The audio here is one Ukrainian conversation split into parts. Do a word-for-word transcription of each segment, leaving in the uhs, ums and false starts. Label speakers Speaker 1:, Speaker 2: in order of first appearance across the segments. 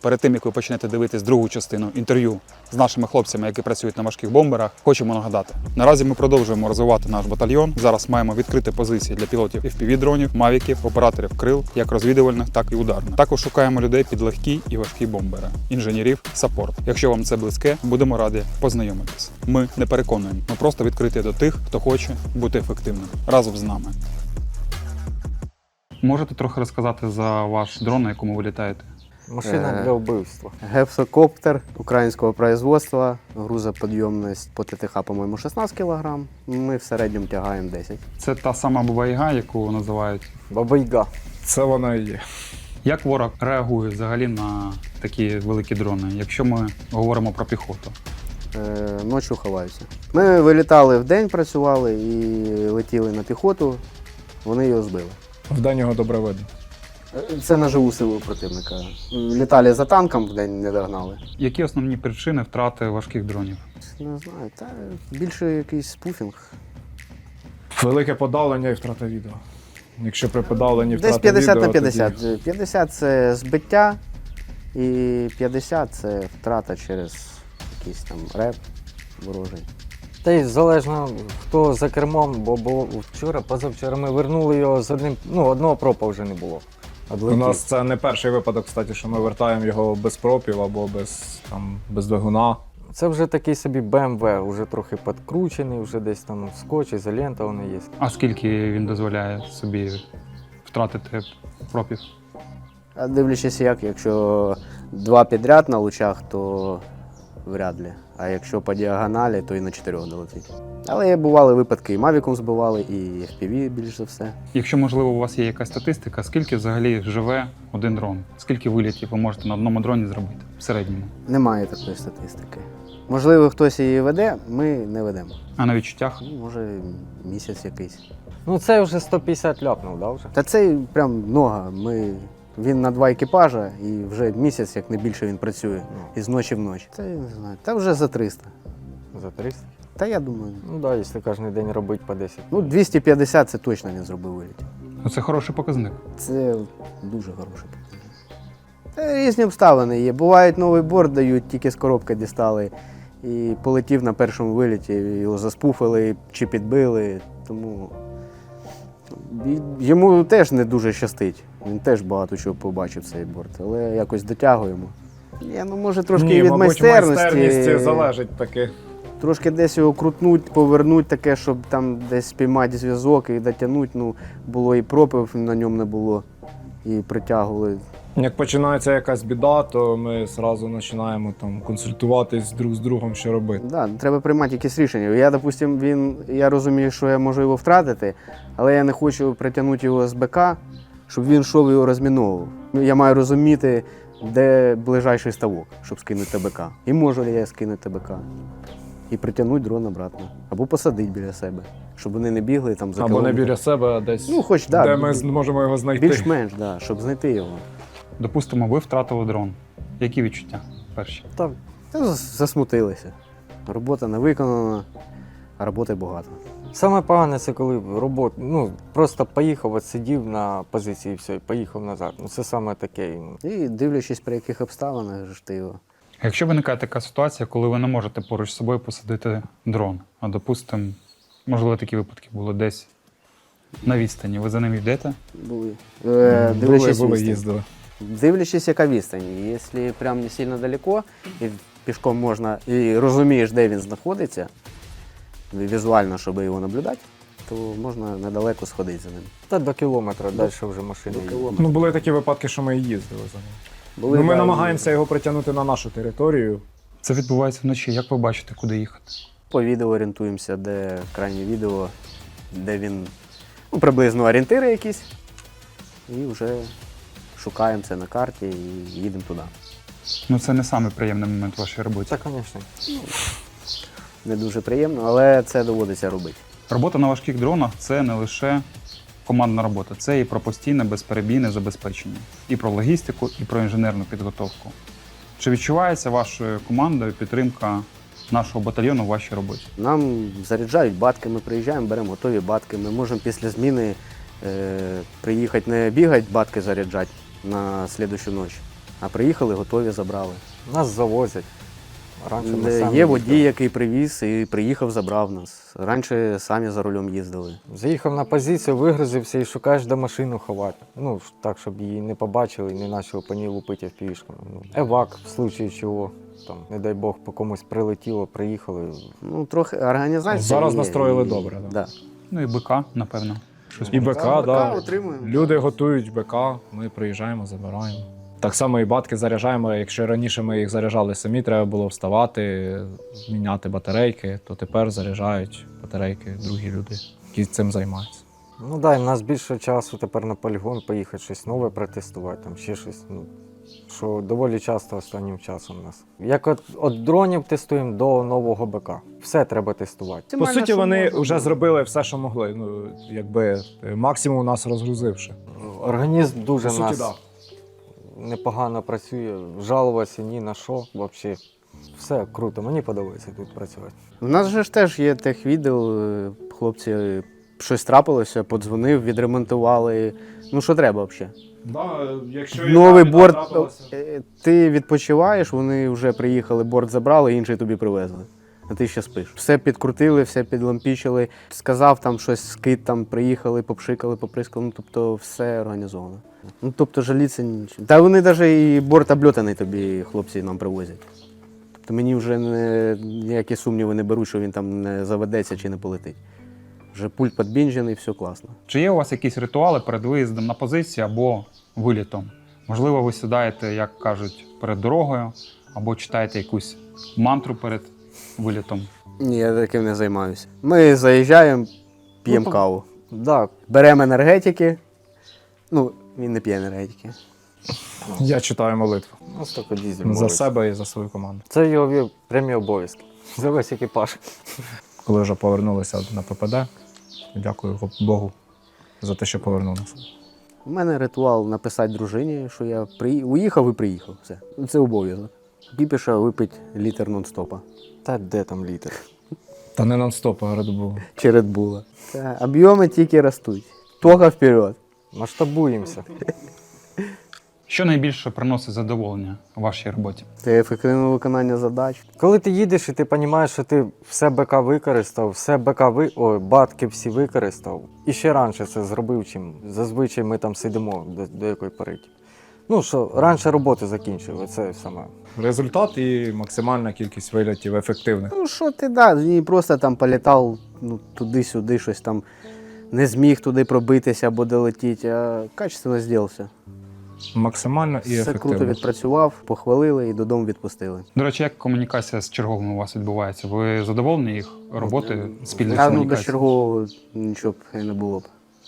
Speaker 1: Перед тим, як ви почнете дивитись другу частину інтерв'ю з нашими хлопцями, які працюють на важких бомберах, хочемо нагадати. Наразі ми продовжуємо розвивати наш батальйон. Зараз маємо відкрити позиції для пілотів еф пі ві-дронів, мавіків, операторів крил, як розвідувальних, так і ударних. Також шукаємо людей під легкі і важкі бомбери, інженерів, саппорт. Якщо вам це близьке, будемо раді познайомитись. Ми не переконуємо, ми просто відкриті до тих, хто хоче бути ефективним. Разом з нами. Можете трохи розказати за ваш дрон, на якому ви літаєте?
Speaker 2: Машина для вбивства.
Speaker 3: Гексокоптер українського производства, грузоподйомність по те те ха, по-моєму, шістнадцять кілограм. Ми в середньому тягаємо десять.
Speaker 1: Це та сама Баба-Яга, яку називають.
Speaker 2: Баба-Яга.
Speaker 4: Це вона і є.
Speaker 1: Як ворог реагує взагалі на такі великі дрони, якщо ми говоримо про піхоту?
Speaker 3: Е, ночі ховаються. Ми вилітали вдень, працювали і летіли на піхоту, вони його збили.
Speaker 4: Вдень його добре видно.
Speaker 3: Це на живу силу противника. Літали за танком, вдень не догнали.
Speaker 1: Які основні причини втрати важких дронів?
Speaker 3: Не знаю, та більше якийсь спуфінг.
Speaker 4: Велике подавлення і втрата відео. Якщо при подавленні втрата
Speaker 3: Десь п'ятдесят
Speaker 4: відео,
Speaker 3: на п'ятдесят.
Speaker 4: тоді-
Speaker 3: п'ятдесят це збиття, і п'ятдесят це втрата через якийсь там реп ворожий.
Speaker 2: Та й залежно, хто за кермом, бо було вчора, позавчора ми вернули його з одним, ну, одного пропа вже не було.
Speaker 4: У
Speaker 2: Одлетів.
Speaker 4: нас це не перший випадок, кстати, що ми вертаємо його без пропів або без, там, без двигуна.
Speaker 2: Це вже такий собі бе ем ве, вже трохи підкручений, вже десь там скотч, ізолента вони є.
Speaker 1: А скільки він дозволяє собі втратити пропів?
Speaker 3: А дивлячись як, якщо два підряд на лучах, то вряд ли. А якщо по діагоналі, то і на чотирьох долетить. Але бували випадки, і Мавіком збивали, і еф пі ві більш за все.
Speaker 1: Якщо, можливо, у вас є якась статистика, скільки взагалі живе один дрон? Скільки вилітів ви можете на одному дроні зробити в середньому?
Speaker 3: Немає такої статистики. Можливо, хтось її веде, ми не ведемо.
Speaker 1: А на відчуттях?
Speaker 3: Ну, може, місяць якийсь.
Speaker 2: Ну це вже сто п'ятдесят ляпнув, да, вже?
Speaker 3: Та це прям много. Ми... Він на два екіпажа і вже місяць, як не більше, він працює. Із ночі в ночі. Та я не знаю. Та вже за триста.
Speaker 2: За триста?
Speaker 3: Та я думаю.
Speaker 2: Ну так, да, якщо кожен день робити по десять.
Speaker 3: Ну, двісті п'ятдесят це точно він зробив виліт.
Speaker 1: Ну, це хороший показник.
Speaker 3: Це дуже хороший показник. Та різні обставини є. Бувають, новий борт дають, тільки з коробки дістали. І полетів на першому виліті, його заспуфили чи підбили. Тому йому теж не дуже щастить. Він теж багато чого побачив цей борт, але якось дотягуємо. Ні, ну може трошки
Speaker 4: Ні,
Speaker 3: від
Speaker 4: мабуть,
Speaker 3: майстерності.
Speaker 4: майстерність залежить таки.
Speaker 3: Трошки десь його крутнуть, повернуть таке, щоб там десь спіймати зв'язок і дотягнути. Ну, було і пропив на ньому не було, і притягували.
Speaker 4: Як починається якась біда, то ми одразу починаємо там консультуватись друг з другом, що робити.
Speaker 3: Да, треба приймати якісь рішення. Я, допустим, він, я розумію, що я можу його втратити, але я не хочу притягнути його з БК, щоб він йшов і його розміновував. Я маю розуміти, де ближайший ставок, щоб скинути БК. І можу ли я скинути БК. І притягнути дрон обратно. Або посадити біля себе, щоб вони не бігли там за
Speaker 4: Або не
Speaker 3: кілометр.
Speaker 4: біля себе, а десь,
Speaker 3: Ну, хоч, да,
Speaker 4: де ми зможемо його знайти.
Speaker 3: Більш-менш, да, щоб знайти його.
Speaker 1: Допустимо, ви втратили дрон. Які відчуття перші?
Speaker 2: Та
Speaker 3: Та засмутилися. Робота не виконана, а роботи багато.
Speaker 2: саме погане це коли робота, ну просто поїхав, от сидів на позиції і все, і поїхав назад. Ну це саме таке.
Speaker 3: І дивлячись, при яких обставинах ж ти його.
Speaker 1: А якщо виникає така ситуація, коли ви не можете поруч з собою посадити дрон, а допустимо, можливо, такі випадки були десь на відстані, ви за ним йдете?
Speaker 3: Були. Е,
Speaker 4: Були,
Speaker 3: дивлячись,
Speaker 4: були,
Speaker 3: відстань.
Speaker 4: їздили.
Speaker 3: Дивлячись, яка відстань. Якщо прям не сильно далеко, і пішком можна, і розумієш, де він знаходиться, візуально, щоб його наблюдати, то можна недалеко сходити за ним.
Speaker 2: Та до кілометра, далі вже машина їде.
Speaker 4: Ну, були такі випадки, що ми і їздили за ним.
Speaker 3: Були,
Speaker 4: Ну, ми
Speaker 3: да,
Speaker 4: намагаємося його притягнути на нашу територію.
Speaker 1: Це відбувається вночі. Як ви бачите, куди їхати?
Speaker 3: По відео орієнтуємося, де крайнє відео, де він, ну, приблизно орієнтири якісь, і вже шукаємо це на карті і їдемо туди.
Speaker 1: Ну, це не самий приємний момент в вашій роботі.
Speaker 2: Це, звісно.
Speaker 3: Не дуже приємно, але це доводиться робити.
Speaker 1: Робота на важких дронах – це не лише командна робота, це і про постійне безперебійне забезпечення, і про логістику, і про інженерну підготовку. Чи відчувається вашою командою підтримка нашого батальйону в вашій роботі?
Speaker 3: Нам заряджають батки, ми приїжджаємо, беремо готові батки. Ми можемо після зміни е, приїхати, не бігати, батки заряджати на слідущу ніч, А приїхали, готові, забрали.
Speaker 2: Нас завозять. Раніше ми
Speaker 3: Де
Speaker 2: самі
Speaker 3: є
Speaker 2: їздили.
Speaker 3: водій, який привіз і приїхав, забрав нас. Раніше самі за рулем їздили.
Speaker 2: Заїхав на позицію, вигрузився і шукаєш, де машину ховати. Ну, ж так, щоб її не побачили і не почали по ній лупити впівішками. Ну, евак, в случаї чого, там, не дай Бог, по комусь прилетіло, приїхали.
Speaker 3: Ну, трохи організація.
Speaker 4: Зараз
Speaker 3: є,
Speaker 4: настроїли
Speaker 3: і-
Speaker 4: добре, да.
Speaker 3: Да.
Speaker 1: Ну і БК, напевно. Щось
Speaker 4: І
Speaker 1: може.
Speaker 4: БК,
Speaker 3: БК
Speaker 4: да.
Speaker 3: отримуємо.
Speaker 4: Люди готують БК, ми приїжджаємо, забираємо. Так само і батки заряджаємо. Якщо раніше ми їх заряджали самі, треба було вставати, міняти батарейки, то тепер заряджають батарейки другі люди, які цим займаються.
Speaker 2: Ну дай, в нас більше часу тепер на полігон поїхати, щось нове протестувати, там ще щось. Ну, що доволі часто останнім часом у нас. Як от, от дронів тестуємо до нового БК. Все треба тестувати.
Speaker 4: По
Speaker 3: Максимально,
Speaker 4: суті,
Speaker 3: що
Speaker 4: вони
Speaker 3: можна.
Speaker 4: вже зробили все, що могли. Ну, якби е, максимум нас розгрузивши.
Speaker 2: Організм дуже
Speaker 4: По
Speaker 2: в
Speaker 4: суті,
Speaker 2: нас
Speaker 4: да.
Speaker 2: непогано працює, жалуватися ні на що взагалі. Все круто, мені подобається тут працювати.
Speaker 3: У нас же ж теж є техвідділ, е, хлопці, е, щось трапилося, подзвонив, відремонтували. Ну, що треба взагалі?
Speaker 4: Да, якщо
Speaker 3: Новий борт. е, Ти відпочиваєш, вони вже приїхали, борт забрали, інший тобі привезли. А ти ще спиш. Все підкрутили, все підлампічили. Сказав там щось, скид там приїхали, попшикали, поприскали. Ну, тобто все організовано. Ну, тобто жаліться нічого. Та вони навіть і борт обльотаний тобі хлопці нам привозять. Тобто мені вже не, ніякі сумніви не беруть, що він там не заведеться чи не полетить. Вже пульт підбінжений, все класно.
Speaker 1: Чи є у вас якісь ритуали перед виїздом на позицію або вилітом? Можливо, ви сідаєте, як кажуть, перед дорогою, або читаєте якусь мантру перед вилітом.
Speaker 3: Ні, я таким не займаюся. Ми заїжджаємо, п'ємо
Speaker 2: Ну, то-
Speaker 3: каву.
Speaker 2: Да,
Speaker 3: Беремо енергетики. Ну, він не п'є енергетики.
Speaker 4: Я читаю молитву
Speaker 2: у нас тільки дізель.
Speaker 4: за
Speaker 2: молиться.
Speaker 4: себе і за свою команду.
Speaker 2: Це його ві- прямі обов'язки. За весь екіпаж.
Speaker 4: Коли вже повернулися на ППД, дякую Богу за те, що повернув нас.
Speaker 3: У мене ритуал написати дружині, що я при... уїхав і приїхав. Все. Це обов'язок. Кіпіша випити літр нон-стопа.
Speaker 2: Та де там літер?
Speaker 4: Та не нон-стоп, а Red Bull.
Speaker 3: Чи Red Bull. Та, об'єми тільки ростуть. Тога вперед.
Speaker 2: Масштабуємося.
Speaker 1: Що найбільше приносить задоволення у вашій роботі?
Speaker 3: Це ефективне виконання задач.
Speaker 2: Коли ти їдеш і ти розумієш, що ти все БК використав, все БК ви... Ой, батки всі використав, і ще раніше це зробив, чим зазвичай ми там сидимо до, до якої пори. Ну що, раніше роботу закінчили, це саме.
Speaker 4: Результат і максимальна кількість вильотів ефективних.
Speaker 3: Ну що ти, да, не просто там політав ну, туди-сюди, щось там не зміг туди пробитися або долетіти, а качественно зробився.
Speaker 4: Максимально і
Speaker 3: Все круто
Speaker 4: ефективно.
Speaker 3: відпрацював, похвалили і додому відпустили.
Speaker 1: До речі, як комунікація з черговими у вас відбувається? Ви задоволені їх роботою, спільної
Speaker 3: А ну без
Speaker 1: комунікації?
Speaker 3: чергового нічого б і не було б.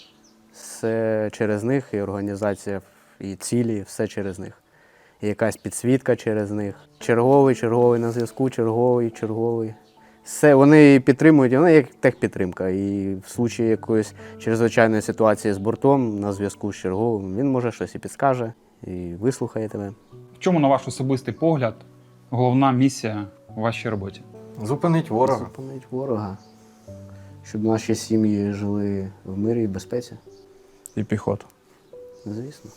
Speaker 3: Все через них, і організація, і цілі, все через них. І якась підсвітка через них. Черговий, черговий на зв'язку, черговий, черговий. Все, вони підтримують, вони як техпідтримка. І в случаї якоїсь чрезвичайної ситуації з бортом на зв'язку з черговим, він може щось і підскаже, і вислухає тебе.
Speaker 1: В чому, на ваш особистий погляд, головна місія у вашій роботі?
Speaker 2: Зупинить ворога.
Speaker 3: Зупинить ворога, щоб наші сім'ї жили в мирі і безпеці.
Speaker 4: І піхота.
Speaker 3: Звісно.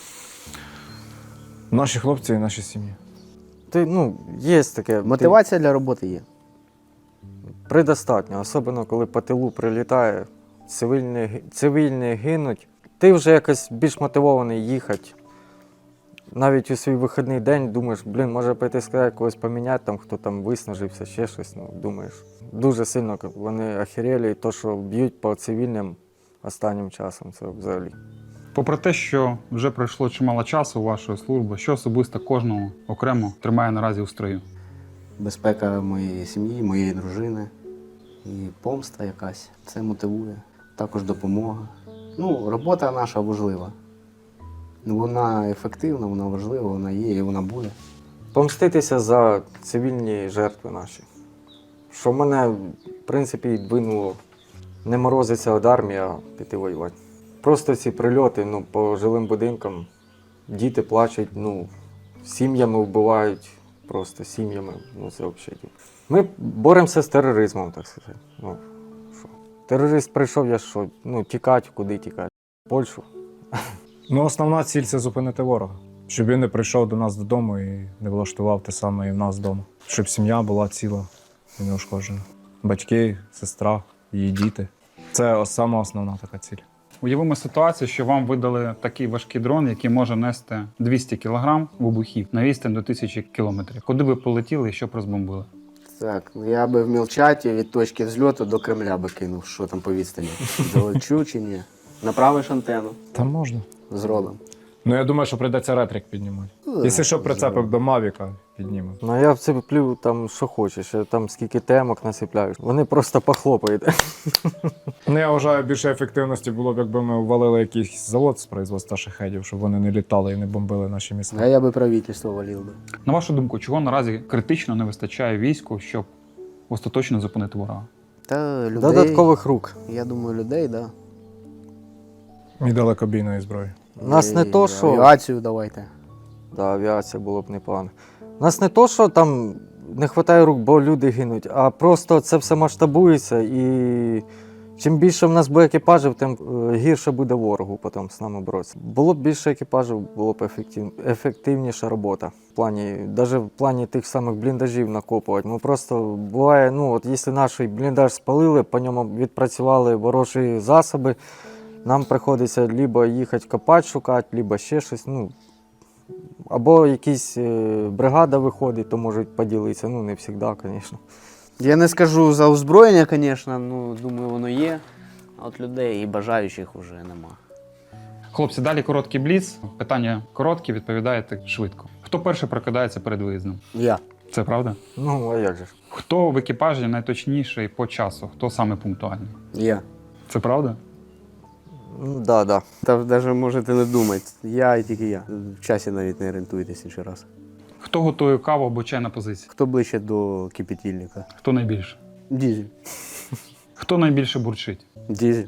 Speaker 4: Наші хлопці і наші сім'ї.
Speaker 2: Ти, ну, є таке.
Speaker 3: Мотивація для роботи є.
Speaker 2: Ти предостатньо, особливо коли по тилу прилітає, цивільні, ги- цивільні гинуть. Ти вже якось більш мотивований їхати. Навіть у свій вихідний день думаєш, блін, може пойти сказати, когось поміняти, там, хто там виснажився, ще щось. Ну, думаєш. Дуже сильно вони охерели, і то, що б'ють по цивільним останнім часом, це взагалі.
Speaker 1: Попри те, що вже пройшло чимало часу у вашої служби, що особисто кожного окремо тримає наразі у строю?
Speaker 3: Безпека моєї сім'ї, моєї дружини і помста якась. Це мотивує. Також допомога. Ну, робота наша важлива. Ну, вона ефективна, вона важлива, вона є і вона буде.
Speaker 2: Помститися за цивільні жертви наші. Що мене, в принципі, і двинуло не морозиться від армії, а піти воювати. Просто ці прильоти ну, по жилим будинкам, діти плачуть, ну, сім'ями вбивають, просто сім'ями, ну це взагалі. Ми боремося з тероризмом, так сказати. Ну, що? Терорист прийшов, я що, ну, тікати, куди тікати? В Польщу.
Speaker 4: Ну, основна ціль це зупинити ворога. Щоб він не прийшов до нас додому і не влаштував те саме і в нас вдома. Щоб сім'я була ціла і неушкоджена. Батьки, сестра, її діти. Це сама основна така ціль.
Speaker 1: Уявимо ситуацію, що вам видали такий важкий дрон, який може нести двісті кілограм вибухів на відстань до тисячі кілометрів. Куди ви полетіли і що б розбомбили?
Speaker 3: Так, я би в Мілчаті від точки взльоту до Кремля би кинув, що там по відстані. Долечу чи ні? Направиш антенну,
Speaker 4: Там можна.
Speaker 3: зробимо.
Speaker 4: Ну я думаю, що прийдеться ретрик піднімати.
Speaker 3: Ну,
Speaker 4: Якщо що прицепив до Мавіка, піднімемо.
Speaker 2: Ну я вцеплю там що хочеш, я там скільки темок насипляю. Вони просто похлопають.
Speaker 4: Ну я вважаю, більше ефективності було б, якби ми ввалили якийсь завод з производства шахедів, щоб вони не літали і не бомбили наші міста.
Speaker 3: А я би правительство валив би.
Speaker 1: На вашу думку, чого наразі критично не вистачає війську, щоб остаточно зупинити ворога?
Speaker 3: Та людей,
Speaker 2: Додаткових рук.
Speaker 3: я думаю, людей, так. Да.
Speaker 4: І далекобійної зброї.
Speaker 2: У нас не
Speaker 3: І
Speaker 2: то, що.
Speaker 3: авіацію давайте.
Speaker 2: Да, авіація було б непогано. У нас не то, що там не вистачає рук, бо люди гинуть, а просто це все масштабується і чим більше в нас буде екіпажів, тим е, гірше буде ворогу потім з нами боротися. Було б більше екіпажів, було б ефектив... ефективніша робота. В плані, навіть в плані тих самих бліндажів накопувати. Ми просто буває, ну от якщо наш бліндаж спалили, по ньому відпрацювали ворожі засоби, нам приходиться либо їхати копати, шукати, либо ще щось. Ну, або якась е, бригада виходить, то можуть поділитися. Ну, не завжди, звісно.
Speaker 3: Я не скажу за озброєння, звісно, ну, думаю, воно є. А от людей і бажаючих вже нема.
Speaker 1: Хлопці, далі короткий бліц. Питання короткі, відповідаєте швидко. Хто перший прокидається перед виїздом?
Speaker 3: Я.
Speaker 1: Це правда?
Speaker 2: Ну, а як же ж?
Speaker 1: Хто в екіпажі найточніший по часу? Хто саме пунктуальний?
Speaker 3: Я.
Speaker 1: Це правда?
Speaker 2: Ну, да, да.
Speaker 3: Та навіть можете не думати. Я і тільки я. В часі навіть не орієнтуєтесь інший раз.
Speaker 1: Хто готує каву або чай на позиції?
Speaker 3: Хто ближче до кипятильника?
Speaker 1: Хто найбільше?
Speaker 3: Дізель.
Speaker 1: Хто найбільше бурчить?
Speaker 3: Дізель.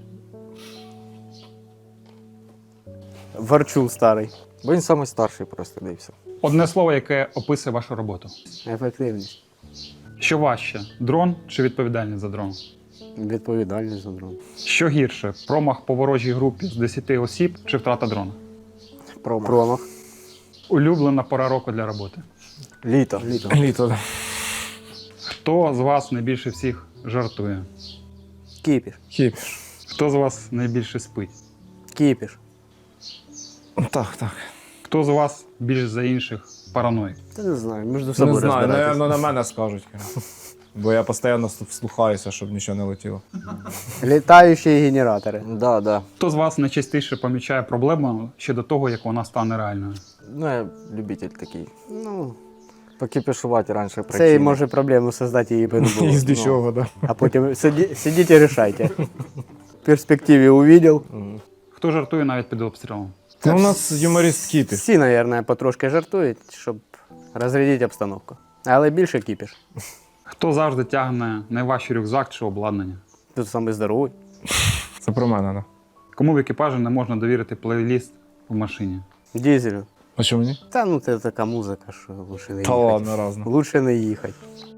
Speaker 3: Варчун старий.
Speaker 2: Бо він найстарший просто, де і все.
Speaker 1: Одне слово, яке описує вашу роботу.
Speaker 3: Ефективність.
Speaker 1: Що важче, дрон чи відповідальність за дрон?
Speaker 3: Відповідальність за дрон.
Speaker 1: Що гірше, промах по ворожій групі з десяти осіб чи втрата дрона?
Speaker 3: Промах. Промах.
Speaker 1: Улюблена пора року для роботи.
Speaker 2: Літо.
Speaker 3: Літо.
Speaker 4: Літо, так.
Speaker 1: Хто з вас найбільше всіх жартує?
Speaker 3: Кіпіш.
Speaker 4: Хіпіш.
Speaker 1: Хто з вас найбільше спить?
Speaker 3: Кіпіш.
Speaker 4: Так, так.
Speaker 1: Хто з вас більш за інших параноїк?
Speaker 3: Та не знаю, між
Speaker 4: Не
Speaker 3: собою
Speaker 4: знаю,
Speaker 3: розбиратись.
Speaker 4: напевно, на мене скажуть. Бо я постійно вслухаюся, щоб нічого не летіло.
Speaker 3: Літаючі генератори.
Speaker 2: Да, да.
Speaker 1: Хто з вас найчастіше помічає проблему ще до того, як вона стане реальною?
Speaker 2: Ну, я любитель такий.
Speaker 3: Ну,
Speaker 2: Покипішувати раніше
Speaker 3: це
Speaker 2: причини.
Speaker 3: і може проблему создати її би не було.
Speaker 4: І з дичого, так.
Speaker 3: А потім сиді, сидіть і рішайте. В перспективі увидел.
Speaker 2: Мгм.
Speaker 1: Хто жартує навіть під обстрілом?
Speaker 4: Ну, у нас юморист Кіпіш.
Speaker 3: Всі, мабуть, потрошки жартують, щоб розрядити обстановку. Але більше кіпіш.
Speaker 1: Хто завжди тягне найважчий рюкзак чи обладнання?
Speaker 3: Тут саме здоровий.
Speaker 4: Це про мене, так.
Speaker 1: Кому в екіпажі не можна довірити плейліст в машині?
Speaker 3: Дізелю.
Speaker 4: А що мені?
Speaker 3: Та ну це така музика, що лучше не
Speaker 4: Та
Speaker 3: їхати.
Speaker 4: ладно, разно.
Speaker 3: Лучше не їхати.